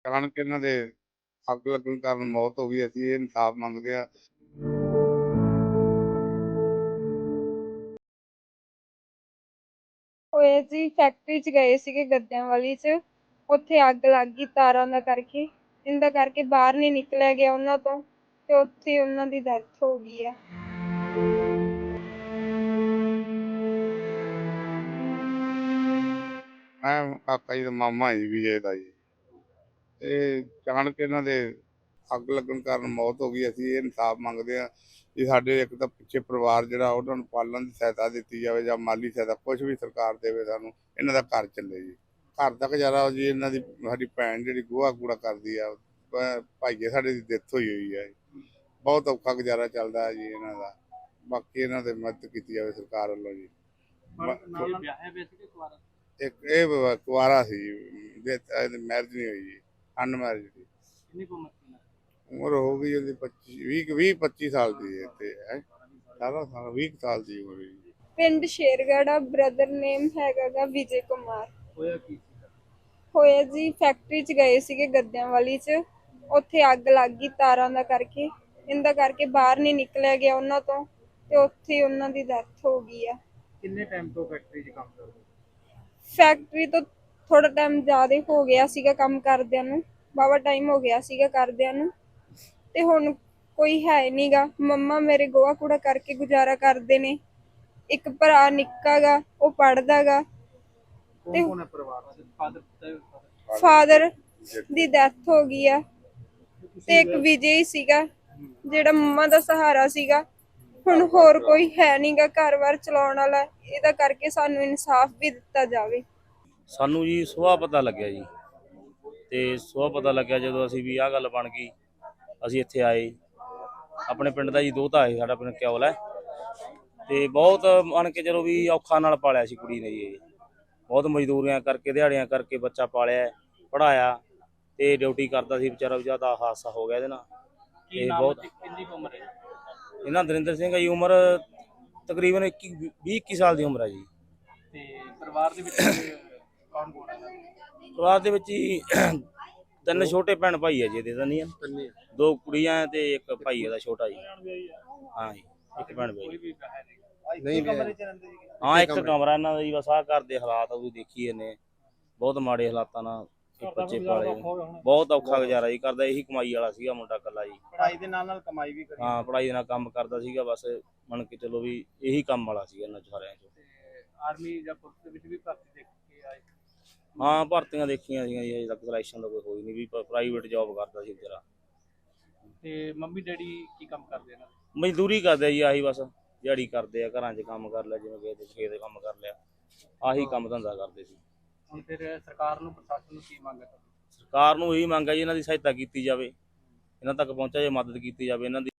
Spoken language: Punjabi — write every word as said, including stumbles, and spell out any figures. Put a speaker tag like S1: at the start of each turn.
S1: ਅਚਾਨਕ ਇਹਨਾਂ ਦੇ ਅੱਗ ਲੱਗਣ ਕਾਰਨ ਮੌਤ ਹੋ ਗਈ। ਅਸੀਂ ਇਹ ਇਨਸਾਫ ਮੰਗਦੇ ਆ।
S2: ਹੋਏ ਜੀ ਫੈਕਟਰੀ 'ਚ ਗਏ ਸੀਗੇ ਗੱਦਿਆਂ ਵਾਲੀ 'ਚ, ਉੱਥੇ ਅੱਗ ਲੱਗ ਗਈ ਤਾਰਾਂ ਦਾ ਕਰਕੇ। ਇਹਦਾ ਕਰਕੇ ਬਾਹਰ ਨਹੀਂ ਨਿਕਲਿਆ ਗਿਆ ਉਹਨਾਂ ਤੋਂ, ਤੇ ਉੱਥੇ ਉਹਨਾਂ ਦੀ ਡੈਥ ਹੋ ਗਈ ਆ।
S1: ਮੈਂ ਕਾਕਾ ਜੀ ਦਾ ਮਾਮਾ ਜੀ ਵਿਜੇ ਦਾ ਜੀ। ਇਹ ਅਚਾਨਕ ਇਹਨਾਂ ਦੇ ਅੱਗ ਲੱਗਣ ਕਾਰਨ ਮੌਤ ਹੋ ਗਈ। ਅਸੀਂ ਇਹ ਇਨਸਾਫ ਮੰਗਦੇ ਹਾਂ ਕਿ ਸਾਡੇ ਇੱਕ ਤਾਂ ਪਿੱਛੇ ਪਰਿਵਾਰ ਜਿਹੜਾ ਉਹਨਾਂ ਨੂੰ ਪਾਲਣ ਦੀ ਸਹਾਇਤਾ ਦਿੱਤੀ ਜਾਵੇ ਜਾਂ ਮਾਲੀ ਸਹਾਇਤਾ ਕੁਛ ਵੀ ਸਰਕਾਰ ਦੇਵੇ ਸਾਨੂੰ, ਇਹਨਾਂ ਦਾ ਘਰ ਚੱਲੇ ਜੀ। ਘਰ ਦਾ ਗੁਜ਼ਾਰਾ ਜੀ ਇਹਨਾਂ ਦੀ ਸਾਡੀ ਭੈਣ ਜਿਹੜੀ ਗੋਹਾ ਕੂੜਾ ਕਰਦੀ ਆ, ਭਾਈਏ ਸਾਡੇ ਦੀ ਡੈਥ ਹੋਈ ਹੋਈ ਹੈ। ਬਹੁਤ ਔਖਾ ਗੁਜ਼ਾਰਾ ਚੱਲਦਾ ਹੈ ਜੀ ਇਹਨਾਂ ਦਾ। ਬਾਕੀ ਇਹਨਾਂ ਦੀ ਮਦਦ ਕੀਤੀ ਜਾਵੇ ਸਰਕਾਰ ਵੱਲੋਂ ਜੀ। ਇੱਕ ਇਹ ਕੁਆਰਾ ਸੀ ਜੀ, ਮੈਰਿਜ ਨਹੀਂ ਹੋਈ ਜੀ, ਅਨਮੈਰਿਜ ਸੀ। ਉਮਰ ਹੋ ਗਈ ਉਹਦੀ ਪੱਚੀ ਵੀਹ ਵੀਹ ਪੱਚੀ ਸਾਲ ਦੀ ਹੈ ਤੇ ਸਾਰਾ ਸਾਲ ਵੀਹ ਸਾਲ ਦੀ ਉਮਰ ਹੈ।
S2: ਪਿੰਡ ਸ਼ੇਰਗੜ੍ਹ, ਬ੍ਰਦਰ ਨੇਮ ਹੈਗਾ ਗਾ ਵਿਜੇ ਕੁਮਾਰ।
S3: ਹੋਇਆ ਕੀ ਸੀ?
S2: ਹੋਇਆ ਜੀ ਫੈਕਟਰੀ 'ਚ ਗਏ ਸੀਗੇ ਗੱਦਿਆਂ ਵਾਲੀ 'ਚ, ਉੱਥੇ ਅੱਗ ਲੱਗ ਗਈ ਤਾਰਾਂ ਦਾ ਕਰਕੇ। ਇਹਦਾ ਕਰਕੇ ਬਾਹਰ ਨਹੀਂ ਨਿਕਲਿਆ ਗਿਆ ਉਹਨਾਂ ਤੋਂ, ਤੇ ਉੱਥੇ ਉਹਨਾਂ ਦੀ ਡੈਥ ਹੋ ਗਈ ਆ।
S3: ਕਿੰਨੇ ਟਾਈਮ ਤੋਂ ਫੈਕਟਰੀ 'ਚ ਕੰਮ ਕਰਦੇ?
S2: ਫੈਕਟਰੀ ਤੋਂ ਥੋੜਾ ਟਾਈਮ ਜ਼ਿਆਦਾ ਹੋ ਗਿਆ ਸੀਗਾ ਕੰਮ ਕਰਦਿਆਂ ਨੂੰ, ਵਾਹਵਾ ਟਾਈਮ ਹੋ ਗਿਆ ਸੀਗਾ ਕਰਦਿਆਂ ਨੂੰ, ਤੇ ਹੁਣ ਕੋਈ ਹੈ ਨੀ ਗਾ। ਮੰਮਾ ਮੇਰੇ ਗੋਹਾ ਕੂੜਾ ਕਰਕੇ ਗੁਜ਼ਾਰਾ ਕਰਦੇ ਨੇ। ਇੱਕ ਭਰਾ ਨਿੱਕਾ ਗਾ, ਉਹ ਪੜ੍ਹਦਾ ਗਾ।
S3: ਕੌਣ ਕੌਣ ਹੈ ਪਰਿਵਾਰ ਚ? ਫਾਦਰ
S2: ਫਾਦਰ ਦੀ ਡੈਥ ਹੋ ਗਈ ਆ, ਤੇ ਇੱਕ ਵਿਜੇ ਹੀ ਸੀਗਾ ਜਿਹੜਾ ਮੰਮਾ ਦਾ ਸਹਾਰਾ ਸੀਗਾ। ਹੁਣ ਹੋਰ ਕੋਈ ਹੈ ਨੀ ਗਾ ਘਰ-ਬਾਰ ਚਲਾਉਣ ਵਾਲਾ। ਇਹਦਾ ਕਰਕੇ ਸਾਨੂੰ ਇਨਸਾਫ ਵੀ ਦਿੱਤਾ ਜਾਵੇ।
S4: ਸਾਨੂੰ ਜੀ ਸੁਬਾਹ ਪਤਾ ਲੱਗਿਆ ਜੀ, ਤੇ ਸੁਬਾਹ ਪਤਾ ਲੱਗਿਆ ਜਦੋਂ ਅਸੀਂ ਵੀ ਆਹ ਗੱਲ ਬਣ ਗਈ, ਅਸੀਂ ਇੱਥੇ ਆਏ। ਆਪਣੇ ਪਿੰਡ ਦਾ ਜੀ ਦੋਹਤਾ ਹੈ, ਸਾਡਾ ਪਿੰਡ ਕਿਉਲ ਹੈ, ਤੇ ਬਹੁਤ ਮੰਨ ਕੇ ਚਲੋ ਵੀ ਔਖਾ ਨਾਲ ਪਾਲਿਆ ਸੀ ਕੁੜੀ ਨੇ ਜੀ। ਇਹ ਬਹੁਤ ਮਜ਼ਦੂਰੀਆਂ ਕਰਕੇ ਦਿਹਾੜੀਆਂ ਕਰਕੇ ਬੱਚਾ ਪਾਲਿਆ, ਪੜ੍ਹਾਇਆ, ਤੇ ਡਿਊਟੀ ਕਰਦਾ ਸੀ ਵਿਚਾਰਾ। ਜ਼ਿਆਦਾ ਹਾਦਸਾ ਹੋ ਗਿਆ ਇਹਦੇ ਨਾਲ। ਤੇ ਬਹੁਤ
S3: ਕਿੰਨੀ ਉਮਰ ਹੈ
S4: ਇਹਨਾਂ ਦਰਿੰਦਰ ਸਿੰਘ ਜੀ ਉਮਰ ਤਕਰੀਬਨ ਇੱਕੀ ਵੀਹ ਇੱਕੀ ਸਾਲ ਦੀ ਉਮਰ ਹੈ ਜੀ।
S3: ਤੇ ਪਰਿਵਾਰ ਦੇ ਵਿੱਚ ਕੌਣ ਕੌਣ ਹੈ?
S4: ਪਰਿਵਾਰ ਦੇ ਵਿੱਚ ਹੀ ਤਿੰਨ ਛੋਟੇ ਭੈਣ ਭਾਈ ਹੈ ਜੀ ਇਹਦੇ ਤਾਂ ਨਹੀਂ, ਦੋ ਕੁੜੀਆਂ ਤੇ ਇੱਕ ਭਾਈ ਇਹਦਾ ਛੋਟਾ ਜੀ। ਹਾਂ ਜੀ, ਇੱਕ ਭੈਣ ਭਾਈ
S3: ਨਹੀਂ ਕਮਰੇ ਚ ਰਹਿੰਦੇ ਜੀ?
S4: ਹਾਂ, ਇੱਕ ਕਮਰਾ ਇਹਨਾਂ ਦਾ ਜੀ। ਬਸ ਆਹ ਘਰ ਦੇ ਹਾਲਾਤ ਉਹ ਦੇਖੀ ਇਹਨੇ, ਬਹੁਤ ਮਾੜੇ ਹਾਲਾਤਾਂ ਨਾਲ ਬੱਚੇ ਪਾਲੇ। ਬਹੁਤ ਔਖਾ ਗੁਜ਼ਾਰਾ ਜੀ ਕਰਦਾ। ਇਹੀ ਕਮਾਈ ਵਾਲਾ ਸੀਗਾ ਮੁੰਡਾ ਇਕੱਲਾ ਜੀ।
S3: ਪੜ੍ਹਾਈ ਦੇ ਨਾਲ ਨਾਲ ਕਮਾਈ ਵੀ ਕਰੀ?
S4: ਹਾਂ, ਪੜ੍ਹਾਈ ਦੇ ਨਾਲ ਕੰਮ ਕਰਦਾ ਸੀਗਾ। ਬਸ ਮੰਨ ਕੇ ਚਲੋ ਵੀ ਇਹੀ ਕੰਮ ਵਾਲਾ ਸੀਗਾ ਇਹਨਾਂ ਸਾਰਿਆਂ ਚੋਂ।
S3: ਆਰਮੀ ਜਾਂ ਪੁਲਿਸ ਦੇ ਵਿੱਚ ਵੀ ਭਰਤੀ ਦੇਖ ਕੇ ਆਏ?
S4: ਹਾਂ, ਭਰਤੀਆਂ ਦੇਖੀਆਂ ਸੀਗੀਆਂ ਜੀ। ਅਜੇ ਤੱਕ ਸਿਲੈਕਸ਼ਨ ਦਾ ਕੋਈ ਹੋਈ ਨਹੀਂ। ਵੀ ਪ੍ਰਾਈਵੇਟ ਜੋਬ ਕਰਦਾ ਸੀ ਵਿਚਾਰਾ।
S3: ਤੇ ਮੰਮੀ ਡੈਡੀ ਕੀ ਕੰਮ ਕਰਦੇ ਨੇ?
S4: ਮਜ਼ਦੂਰੀ ਕਰਦੇ ਜੀ, ਆਹੀ ਬਸ ਦਿਹਾੜੀ ਕਰਦੇ ਆ। ਘਰਾਂ 'ਚ ਕੰਮ ਕਰ ਲਿਆ, ਜਿਵੇਂ ਕਿ ਖੇਤ ਦੇ ਕੰਮ ਕਰ ਲਿਆ, ਆਹੀ ਕੰਮ ਧੰਦਾ ਕਰਦੇ ਸੀ।
S3: ਹੁਣ ਫਿਰ ਸਰਕਾਰ ਨੂੰ, ਪ੍ਰਸ਼ਾਸਨ ਨੂੰ ਕੀ ਮੰਗ ਹੈ?
S4: ਸਰਕਾਰ ਨੂੰ ਇਹੀ ਮੰਗ ਹੈ ਜੀ ਇਹਨਾਂ ਦੀ ਸਹਾਇਤਾ ਕੀਤੀ ਜਾਵੇ, ਇਹਨਾਂ ਤੱਕ ਪਹੁੰਚਾ ਜੇ ਮਦਦ ਕੀਤੀ ਜਾਵੇ ਇਹਨਾਂ ਦੀ।